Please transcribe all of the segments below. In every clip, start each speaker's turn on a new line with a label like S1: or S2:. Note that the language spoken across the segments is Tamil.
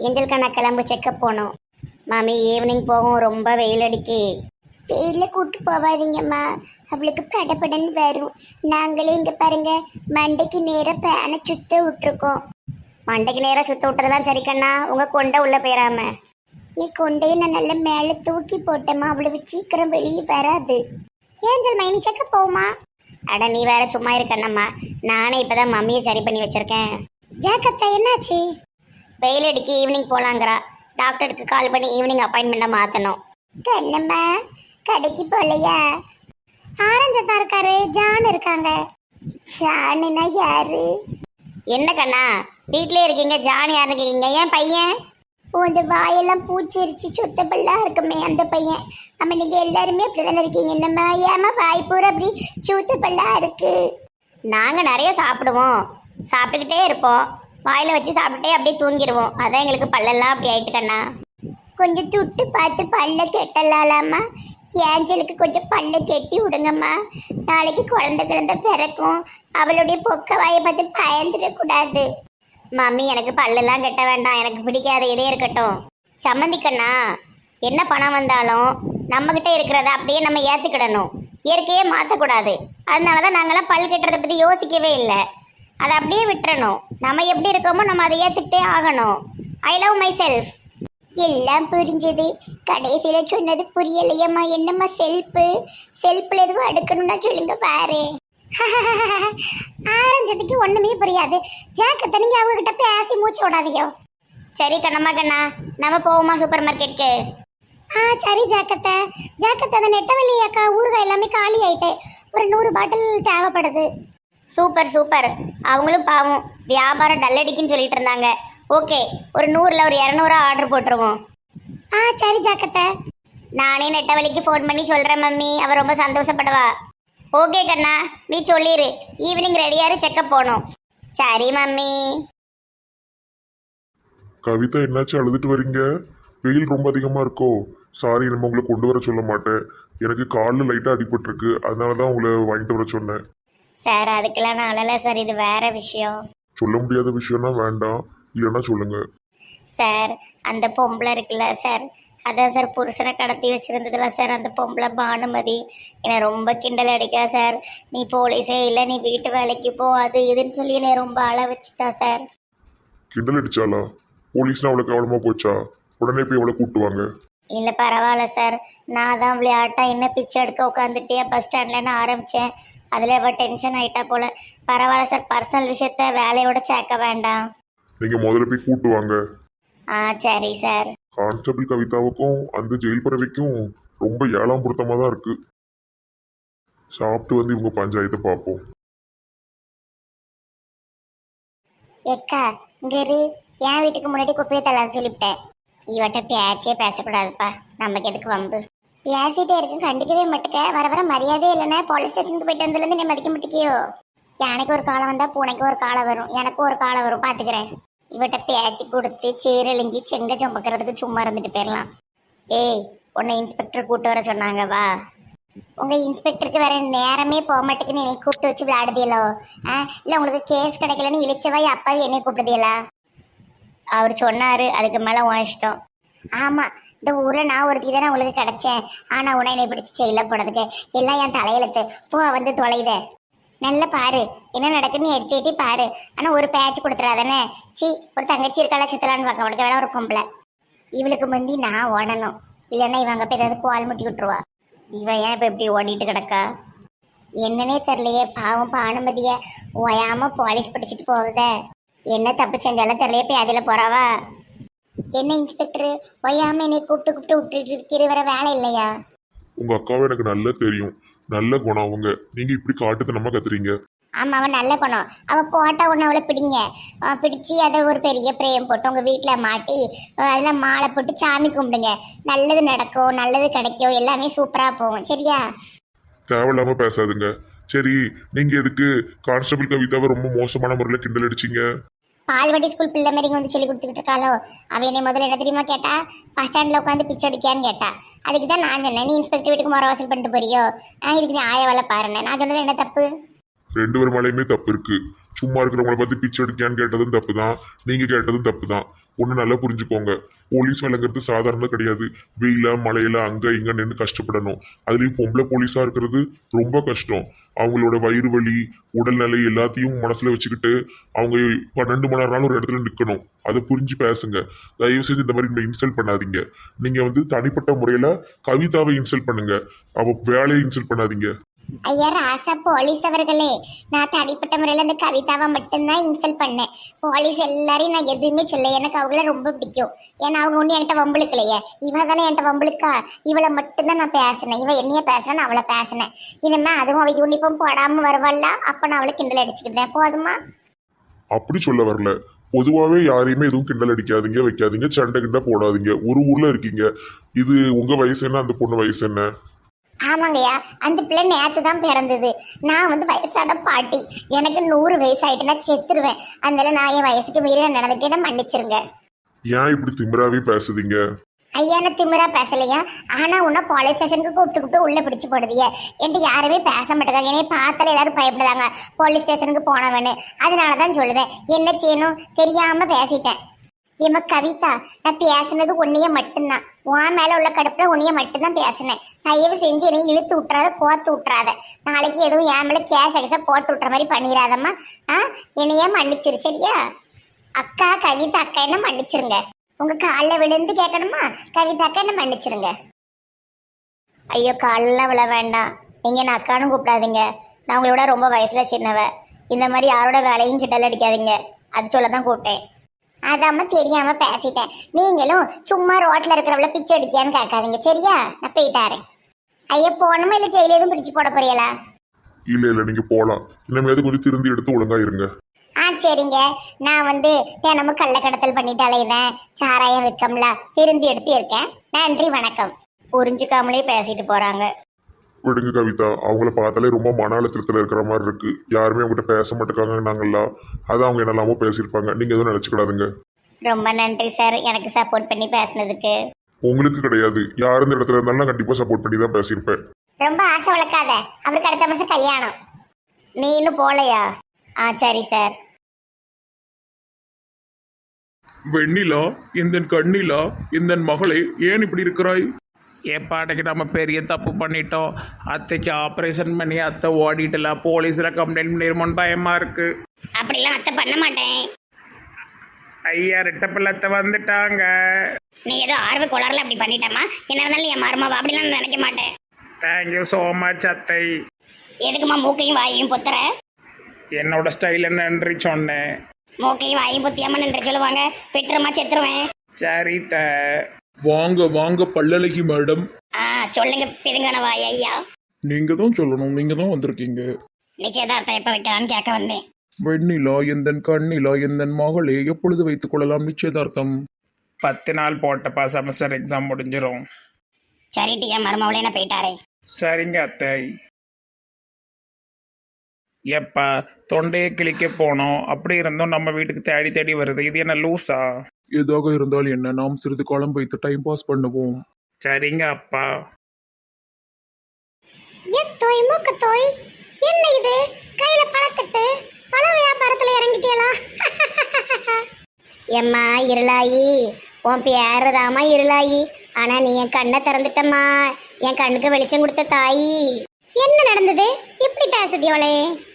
S1: ஏஞ்சல்கண்ணா கிளம்பு செக்கப் போகணும். மாமி ஈவினிங் போகும், ரொம்ப வெயில் அடிக்கு. வெயிலில் கூட்டு போவாதீங்கம்மா, அவளுக்கு படபடன்னு வரும். நாங்களே இங்கே பாருங்க மண்டைக்கு நேராக பேனை சுத்த விட்டுருக்கோம். மண்டைக்கு நேராக சுத்த விட்டதெல்லாம் சரி கண்ணா, உங்கள் கொண்டை உள்ளே போயிடாம. என் கொண்டையை நான் நல்லா மேலே தூக்கி போட்டேம்மா, அவ்வளவு சீக்கிரம் வெளியே வராது. ஏஞ்சல் மைனி செக்கப் போகுமா? அட நீ வேற சும்மா இருக்கண்ணம்மா, நானே இப்போதான் மம்மியை சரி பண்ணி வச்சிருக்கேன். ஜாக்கத்தா என்னாச்சு? வெயில் அடிக்கு ஈவினிங் போகலாங்கிறா. டாக்டருக்கு கால் பண்ணி ஈவினிங் அப்பாயின்மெண்ட்டை மாற்றணும். கண்ணம்மா கடைக்கு போகலையா? ஆரஞ்சத்தான் இருக்காரு, ஜான் இருக்காங்க. ஜானுனா யாரு? என்ன கண்ணா வீட்டிலே இருக்கீங்க, ஜான் யாருன்னு கேட்கீங்க? ஏன் பையன்? ஓ இந்த வாயெல்லாம் பூச்சிரிச்சு சுத்தப்பெல்லாம் இருக்குமே அந்த பையன். ஆமாம் நீங்கள் எல்லாருமே அப்படி தானே இருக்கீங்க. என்னம்மா ஏமா வாய் பூரா அப்படி சுத்தப்பெல்லாம் இருக்கு? நாங்கள் நிறைய சாப்பிடுவோம், சாப்பிட்டுக்கிட்டே இருப்போம், வாயில் வச்சு சாப்பிட்டுட்டே அப்படியே தூங்கிடுவோம். அதான் எங்களுக்கு பல்லெல்லாம் அப்படி ஆயிட்டு கண்ணா. கொஞ்சம் துட்டு பார்த்து பல்ல கெட்டலாம்மா. ஏஞ்சலுக்கு கொஞ்சம் பல்ல கெட்டி விடுங்கம்மா, நாளைக்கு குழந்தை பிறக்கும். அவளுடைய பொக்க வாயை பார்த்து பயந்துடக்கூடாது. மம்மி எனக்கு பல்லெல்லாம் கெட்ட வேண்டாம், எனக்கு பிடிக்காத இதே இருக்கட்டும். சம்மந்திக்கண்ணா என்ன பணம் வந்தாலும் நம்மக்கிட்ட இருக்கிறத அப்படியே நம்ம ஏற்றுக்கிடணும், இயற்கையே மாற்றக்கூடாது. அதனால தான் நாங்களாம் பல் கெட்டுறதை பற்றி யோசிக்கவே இல்லை. அதை அப்படியே விட்டுறணும். நம்ம எப்படி இருக்கோமோ நம்ம அதை ஏற்றுக்கிட்டே ஆகணும். I love myself. எல்லாம் புரிஞ்சது, கடைசியில் சொன்னது புரியலையம்மா. என்னம்மா செல்ஃபில் எதுவும் அடுக்கணும்னா சொல்லுங்க பாரு. ஆரஞ்சதுக்கு ஒன்றுமே புரியாது. ஜாக்கத்தை நீங்கள் அவங்ககிட்ட பேசி மூச்சு விடாதீங்க. சரி கண்ணம்மா கண்ணா, நம்ம போவோமா சூப்பர் மார்க்கெட்டுக்கு? சரி ஜாக்கத்தை. அந்த நெட்டவெளி அக்கா ஊறுகாய் எல்லாமே காலி ஆயிட்டு, ஒரு 100 பாட்டில் தேவைப்படுது. Super super. அவங்களும் பாவம் வியாபாரம் டல்லடிக்குன்னு சொல்லிட்டு இருந்தாங்க. ஓகே, ஒரு 100ல் ஒரு 200 ஆர்டர் போட்டுருவோம். சரி ஜாக்கத்தை. நானே நெட்டவழிக்கு ஃபோன் பண்ணி சொல்கிறேன் மம்மி, அவள் ரொம்ப சந்தோஷப்படுவா. ஓகே கண்ணா, நீ சொல்லிடு. ஈவினிங் ரெடியாரு, செக்கப் போகணும். சரி மம்மி.
S2: கவிதா என்னாச்சு அழுதுட்டு வரீங்க? வெயில் ரொம்ப அதிகமாக இருக்கோ? சாரி, நம்ம உங்களை கொண்டு வர சொல்ல மாட்டேன். எனக்கு காலில் லைட்டாக அடிபட்டிருக்கு, அதனால தான் உங்களை வாங்கிட்டு வர சொன்னேன்.
S1: சார் அதுக்கெல்லாம் நான் அழலை சார், இது வேற விஷயம்.
S2: சொல்ல முடியாத விஷயம்னா வேண்டாம், இல்லைன்னா சொல்லுங்க.
S1: சார் அந்த பொம்பளை இருக்குல்ல சார், அதான் சார் புருஷனை கடத்தி வச்சுருந்ததுல சார், அந்த பொம்பளை பானுமதி என்னை ரொம்ப கிண்டல் அடிக்கா சார். நீ போலீஸே இல்லை, நீ வீட்டு வேலைக்கு போ, அது இதுன்னு சொல்லி என்னை ரொம்ப அழ வச்சுட்டா சார்.
S2: கிண்டல் அடிச்சாலா? போலீஸ்னா அவ்வளோ கவனமாக போச்சா? உடனே போய் அவளை கூட்டுவாங்க.
S1: இல்லை பரவாயில்ல சார், நான் தான் விளையாட்டா என்ன பிச்சை எடுக்க உட்காந்துட்டே பஸ் ஸ்டாண்ட்லன்னு ஆரம்பித்தேன். அதில் அவள் டென்ஷன் ஆகிட்டா போல. பரவாயில்ல சார், பர்சனல் விஷயத்த வேலையோட சேர்க்க வேண்டாம்.
S2: நீங்கள் முதல்ல போய் கூட்டுவாங்க.
S1: சரி சார்.
S2: கான்ஸ்டபிள் கவிதாவுக்கும் அந்த ஜெயில் பறவைக்கும் ரொம்ப ஏழாம் பொருத்தமாக தான் இருக்குது. சாப்பிட்டு வந்து இவங்க பஞ்சாயத்தை பார்ப்போம்.
S1: எக்கா இங்கே என் வீட்டுக்கு முன்னாடி குப்பையை தள்ளான்னு சொல்லிவிட்டேன். இவட்ட பேச்சே பேசக்கூடாதுப்பா, நமக்கு எதுக்கு வம்பு. பேசிட்டே இருக்கு, கண்டிக்கவே மாட்டேக்க. வர வர மரியாதையே இல்லைன்னா போலீஸ் ஸ்டேஷனுக்கு போயிட்டு வந்ததுலேருந்து நீ மதிக்க மாட்டேக்கியோ? யானைக்கு ஒரு காலம் வந்தால் பூனைக்கு ஒரு காலம் வரும், எனக்கும் ஒரு காலம் வரும், பார்த்துக்கிறேன். இவட்ட பேச்சு கொடுத்து சீரழிஞ்சி செங்க சுமக்கிறதுக்கு சும்மா இருந்துட்டு போயிடலாம். ஏய், உன்னை இன்ஸ்பெக்டர் கூப்பிட்டு வர சொன்னாங்க, வா. உங்கள் இன்ஸ்பெக்டருக்கு வேற நேரமே போக மாட்டேங்குன்னு என்னை கூப்பிட்டு வச்சு விளையாடுதியலோ? இல்லை உங்களுக்கு கேஸ் கிடைக்கலன்னு இழிச்சவாய் அப்பாவே என்னை கூப்பிடுதியலா? அவர் சொன்னார், அதுக்கு மேலே உன் இஷ்டம். ஆமாம், இந்த ஊரில் நான் ஒருத்தி தானே உங்களுக்கு கிடச்சேன். ஆனால் உன்னை என்னை பிடிச்சி செயலில் போனதுக்கு எல்லாம் என் தலையெழுத்து. போ வந்து தொலைத. நல்லா பாரு என்ன நடக்குன்னு எட்டி எட்டி பாரு. ஆனால் ஒரு பேட்ச் கொடுத்துறாதானே. ஒரு தங்கச்சி இருக்காளா சித்தலான்னு பார்க்க உனக்கு வேணா ஒரு பொம்பளை. இவளுக்கு முந்தி நான் ஓடணும், இல்லைன்னா இவங்க போய் ஏதாவது கோல் முட்டி விட்டுருவா. இவன் ஏன் இப்போ இப்படி ஓடிட்டு கிடக்கா என்னன்னே தெரியலையே. பாவம் பானுமதியை ஓயாமல் போலீஸ் பிடிச்சிட்டு போகுதே. என்ன தப்பு செஞ்சாலும் தெரியலையே, போய் அதில் போறாவா? என்ன இன்ஸ்பெக்டர் ஒய்யாம என்னை கூப்பிட்டு விட்டுட்டு இருக்கிற, வர வேலை இல்லையா?
S2: உங்க அக்காவை எனக்கு நல்லா தெரியும், நல்ல குணம் அவங்க. நீங்க இப்படி காட்டுத்தனமா கத்துறீங்க.
S1: ஆமா, அவன் நல்ல குணம். அவள் போட்டா ஒன்று அவளை பிடிங்க, பிடிச்சி அதை ஒரு பெரிய பிரேம் போட்டு உங்கள் வீட்டில் மாட்டி அதில் மாலை போட்டு சாமி கும்பிடுங்க. நல்லது நடக்கும், நல்லது கிடைக்கும், எல்லாமே சூப்பராக போகும். சரியா?
S2: தேவையில்லாம பேசாதுங்க. சரி, நீங்க எதுக்கு கான்ஸ்டபிள் கவிதாவை ரொம்ப மோசமான முறையில் கிண்டல் அடிச்சீங்க?
S1: பால்வாடி ஸ்கூல் பிள்ளை மாதிரி வந்து சொல்லி கொடுத்துக்கிட்டு இருக்காளோ. அவன் என்னை முதல்ல என்ன தெரியுமா கேட்டா? பஸ் ஸ்டாண்டில் உட்காந்து பிச்சை அடிக்கான்னு கேட்டா. அதுக்கு தான் நான் சொன்னேன், நீ இன்ஸ்பெக்டர் வீட்டுக்கு முறை வாசல் பண்ணிட்டு போறியோ, இதுக்கு நீ ஆய வேலை பாருன்னு. நான் சொன்னது என்ன தப்பு?
S2: 2 பேர் மேலேயுமே தப்பு இருக்கு. சும்மா இருக்கிறவங்கள பார்த்து பிச்சை எடுக்கியான்னு கேட்டதும் தப்பு தான், நீங்கள் கேட்டதும் தப்பு தான். ஒன்று நல்லா புரிஞ்சுக்கோங்க, போலீஸ் வேலைங்கிறது சாதாரண கிடையாது. வெயில மழையில அங்கே இங்கே நின்று கஷ்டப்படணும். அதுலேயும் பொம்பளை போலீஸாக இருக்கிறது ரொம்ப கஷ்டம். அவங்களோட வயிறு வலி, உடல்நிலை எல்லாத்தையும் மனசில் வச்சுக்கிட்டு அவங்க 12 மணி நேரம் ஒரு இடத்துல நிற்கணும். அதை புரிஞ்சு பேசுங்க. தயவு செய்து இந்த மாதிரி இன்சல்ட் பண்ணாதீங்க. நீங்கள் தனிப்பட்ட முறையில் கவிதாவை இன்சல்ட் பண்ணுங்க, அவள் வேலையை இன்சல்ட் பண்ணாதீங்க.
S1: ஐயா ராசா போலீஸ் அவர்களே, நான் தனிப்பட்ட முறையில் அந்த கவிதாவை மட்டும்தான் இன்சல்ட் பண்ணேன். போலீஸ் எல்லாரையும் நான் எதுவுமே சொல்ல, எனக்கு அவங்கள ரொம்ப பிடிக்கும். ஏன்னா அவங்க ஒன்றும் என்கிட்ட வம்புழுக்கலையே. இவ தானே என்கிட்ட வம்புழுக்கா, இவளை மட்டும்தான் நான் பேசினேன். இவன் என்னைய பேசுறேன், நான் அவளை பேசினேன். இனிமே அதுவும் அவள் யூனிஃபார்ம் போடாமல் வருவாள்ல, அப்போ நான் அவளை கிண்டல் அடிச்சுக்கிட்டேன். போதுமா?
S2: அப்படி சொல்ல வரல. பொதுவாகவே யாரையுமே எதுவும் கிண்டல் அடிக்காதீங்க, வைக்காதீங்க, சண்டை கிண்டை போடாதீங்க. ஒரு ஊரில் இருக்கீங்க. இது உங்கள் வயசு என்ன, அந்த பொண்ணு வயசு என்ன?
S1: ஆமாங்கய்யா, அந்த பிள்ளை நேற்று தான் பிறந்தது. நான் வயசான பாட்டி, எனக்கு 100 வயசு ஆயிட்டு நான் செத்துருவேன். அதனால நான் என் வயசுக்கு மீறி நான் நடந்துட்டேன்னா மன்னிச்சிருங்க.
S2: ஏன் இப்படி திமிராவே பேசுதீங்க?
S1: ஐயா நான் திமிரா பேசலையா, ஆனா உன்ன போலீஸ் ஸ்டேஷனுக்கு கூப்பிட்டு உள்ள பிடிச்சு போடுதிய. என்கிட்ட யாருமே பேச மாட்டேங்காங்க. என்னைய பார்த்தால எல்லாரும் பயப்படுதாங்க போலீஸ் ஸ்டேஷனுக்கு போனவன்னு. அதனாலதான் சொல்லுவேன், என்ன செய்யணும் தெரியாம பேசிட்டேன். ஏமா கவிதா, நான் பேசுனது உன்னைய மட்டும்தான். உன் மேல உள்ள கடுப்புல உன்னைய மட்டும்தான் பேசினேன். தயவு செஞ்சு என்னை இழுத்து விட்டுறாத, கோத்து விட்டுறாத. நாளைக்கு எதுவும் என் மேல கேச போட்டு விட்டுற மாதிரி பண்ணிடாதம்மா. என்னையே மன்னிச்சிரு சரியா? அக்கா கவிதா அக்கா என்ன மன்னிச்சிருங்க. உங்க காலில் விழுந்து கேட்கணுமா? கவிதா அக்கா என்ன மன்னிச்சிருங்க. ஐயோ காலில் விழ வேண்டாம், நீங்க என்ன அக்கான்னு கூப்பிடாதீங்க. நான் உங்களோட ரொம்ப வயசுல சின்னவ. இந்த மாதிரி யாரோட வேலையும் கிட்டல அடிக்காதீங்க, அது சொல்லதான் கூப்பிட்டேன். அதாம தெரியாம பேசிட்டேன். நீங்களும் சும்மா ரோட்ல இருக்கிறவள பிச்சை அடிக்கியான்னு கேட்காதீங்க சரியா? நான் போயிட்டாரேன். ஐயா போகணுமா இல்லை ஜெயில எதுவும் பிடிச்சு போட போறீங்களா?
S2: இல்ல நீங்க போலாம். இனிமேது கொஞ்சம் திருந்தி எடுத்து ஒழுங்கா இருங்க.
S1: சரிங்க. நான் தினமும் கள்ள கடத்தல் பண்ணிட்டு அலையுதேன், சாராயம் விற்கம்ல, திருந்தி எடுத்து இருக்கேன். நன்றி வணக்கம். புரிஞ்சுக்காமலே பேசிட்டு போறாங்க.
S2: விடுங்க கவிதா, அவங்கள பார்த்தாலே ரொம்ப மன அழுத்தத்தில் இருக்கிற மாதிரி இருக்கு. யாருமே அவங்ககிட்ட பேச மாட்டேங்காங்கன்னாங்களா, அதான் அவங்க என்னெல்லாமோ பேசியிருப்பாங்க. நீங்க எதுவும் நினைச்சுக்கிடாதுங்க.
S1: ரொம்ப நன்றி சார், எனக்கு சப்போர்ட் பண்ணி பேசுனதுக்கு.
S2: உங்களுக்கு கிடையாது, யார் இந்த இடத்துல இருந்தாலும் நான் கண்டிப்பா சப்போர்ட் பண்ணி தான் பேசியிருப்பேன்.
S1: ரொம்ப ஆசை வளர்க்காத, அவருக்கு அடுத்த மாசம் கல்யாணம். நீ இன்னும் போலையா? சரி சார்.
S3: வெண்ணிலா, இந்த கண்ணிலா, இந்த மகளே ஏன் இப்படி இருக்கிறாய்?
S4: ஏப்பாட்டைக்கு நம்ம பெரிய தப்பு பண்ணிட்டோம். அத்தைக்கு ஆப்ரேஷன் பண்ணி அத்தை ஓடிட்டலாம். போலீஸில் கம்ப்ளைண்ட் பண்ணிருமோன்னு பயமாக இருக்குது.
S1: அப்படிலாம் அத்தை பண்ண மாட்டேன்.
S4: ஐயா ரெட்ட பிள்ளத்தை வந்துட்டாங்க.
S1: நீ ஏதோ ஆர்வ கோளாறுல அப்படி பண்ணிட்டமா? என்ன இருந்தாலும் என் மருமாவா அப்படிலாம் நான் நினைக்க மாட்டேன்.
S4: தேங்க்யூ ஸோ மச் அத்தை.
S1: எதுக்குமா மூக்கையும் வாயையும் பொத்துற?
S4: என்னோட ஸ்டைல் நன்றி சொன்னேன்.
S1: மூக்கையும் வாயையும் பொத்தியாம நின்று சொல்லுவாங்க, பெற்றுமா செத்துருவேன்.
S4: சரி த.
S3: வாங்க வாங்க பல்லழகி மேடம்.
S1: சொல்லுங்க பிதுங்கான வாய் ஐயா.
S3: நீங்க தான் சொல்லணும், நீங்க தான் வந்திருக்கீங்க.
S1: நிச்சயதார்த்தம் எப்ப வைக்கலான்னு கேட்க வந்தேன்.
S3: வெண்ணிலா, எந்த கண்ணிலா, எந்த மகளே எப்பொழுது வைத்துக் கொள்ளலாம் நிச்சயதார்த்தம்?
S4: 10 நாள் போட்டப்பா, செமஸ்டர் எக்ஸாம் முடிஞ்சிடும்.
S1: சரிட்டு என் மருமாவளே நான் போயிட்டாரே.
S4: சரிங்க அத்தை. எப்பா தொண்டையை கிழிக்க போனோம், அப்படி இருந்தோம் நம்ம வீட்டுக்கு தேடி தேடி வருது. இது என்ன லூஸா?
S3: எதாக இருந்தால் என்ன, நாம் சிறிது காலம் வைத்து டைம் பாஸ் பண்ணுவோம்.
S4: சரிங்க அப்பா.
S1: எத்தோய் மூக்கத்தோய், என்ன இது கையில பழத்தட்டு? பழ வியாபாரத்துல இறங்கிட்டியலா? எம்மா இருளாயி, உன் பேருதாமா இருளாயி. ஆனா நீ என் கண்ணை திறந்துட்டம்மா, என் கண்ணுக்கு வெளிச்சம் கொடுத்த தாயி. என்ன நடந்தது இப்படி பேசுதியோளே?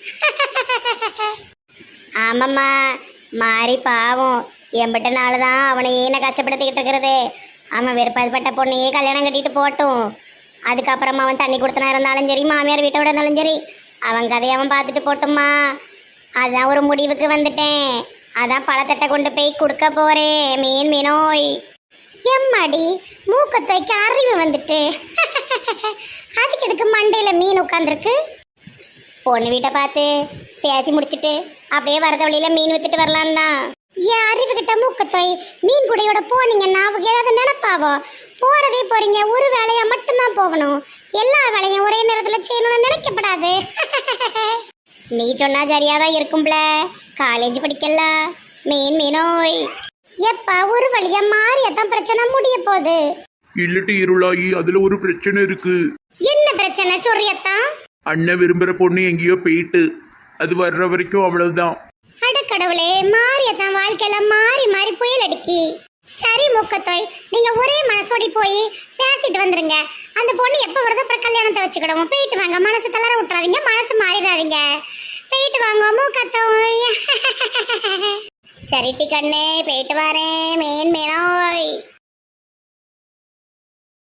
S1: ஆமாம்மா, மாறி பாவம் எம்பிட்ட நாளுதான் அவனையே நான் கஷ்டப்படுத்திக்கிட்டு இருக்கிறது. அவன் விருப்பப்பட்ட பொண்ணையே கல்யாணம் கட்டிட்டு போட்டும். அதுக்கப்புறமா அவன் தண்ணி கொடுத்தனா இருந்தாலும் சரி, மாமியார் வீட்டை விட இருந்தாலும் சரி, அவன் கதையை அவன் பார்த்துட்டு போட்டும்மா. அதான் ஒரு முடிவுக்கு வந்துட்டேன். அதான் பழத்தட்டை கொண்டு போய் கொடுக்க போறேன். மீனோய் எம்மாடி, மூக்கத்தோய்க்கு அறிவு வந்துட்டு. அதுக்கு எதுக்கு மண்டையில மீன் உட்காந்துருக்கு? பொண்ணு வீட்டை பார்த்து பேசி முடிச்சுட்டு அப்படியே வரத வழியில மீன் வித்துட்டு வரலாம் தான். என் அறிவு கிட்ட மூக்கத்தோய், மீன் குடையோட போனீங்கன்னா அவங்க ஏதாவது நினைப்பாவோ? போறதே போறீங்க, ஒரு வேலையா மட்டும்தான் போகணும். எல்லா வேலையும் ஒரே நேரத்துல செய்யணும்னு நினைக்கப்படாது. நீ சொன்னா சரியாதான் இருக்கும்ல, காலேஜ் படிக்கல. மீனோய் எப்பா ஒரு வழியா மாறியதான் பிரச்சனை முடிய போகுது.
S3: இல்லட்டு இருளாயி, அதுல ஒரு பிரச்சனை இருக்கு.
S1: என்ன பிரச்சனை சொல்றியத்தான்?
S3: அண்ணன் விரும்புற பொண்ணு எங்கேயோ போயிட்டு, அது வர்ற வரைக்கும் அவ்வளவுதான்.
S1: அடக்கடவுளே, மாரியத்தான் வாழ்க்கையில மாறி மாறி புயல் அடிக்கி. சரி மூக்கத்தோய், நீங்க ஒரே மனசோடி போய் பேசிட்டு வந்துருங்க. அந்த பொண்ணு எப்ப வருதோ அப்புறம் கல்யாணத்தை வச்சுக்கிடுவோம். போயிட்டு வாங்க, மனசு தளர விட்டுறாதீங்க, மனசு மாறிடாதீங்க. போயிட்டு வாங்க மூக்கத்தோய். சரிட்டி கண்ணே, போயிட்டு வரேன். மேன் மேனோய்.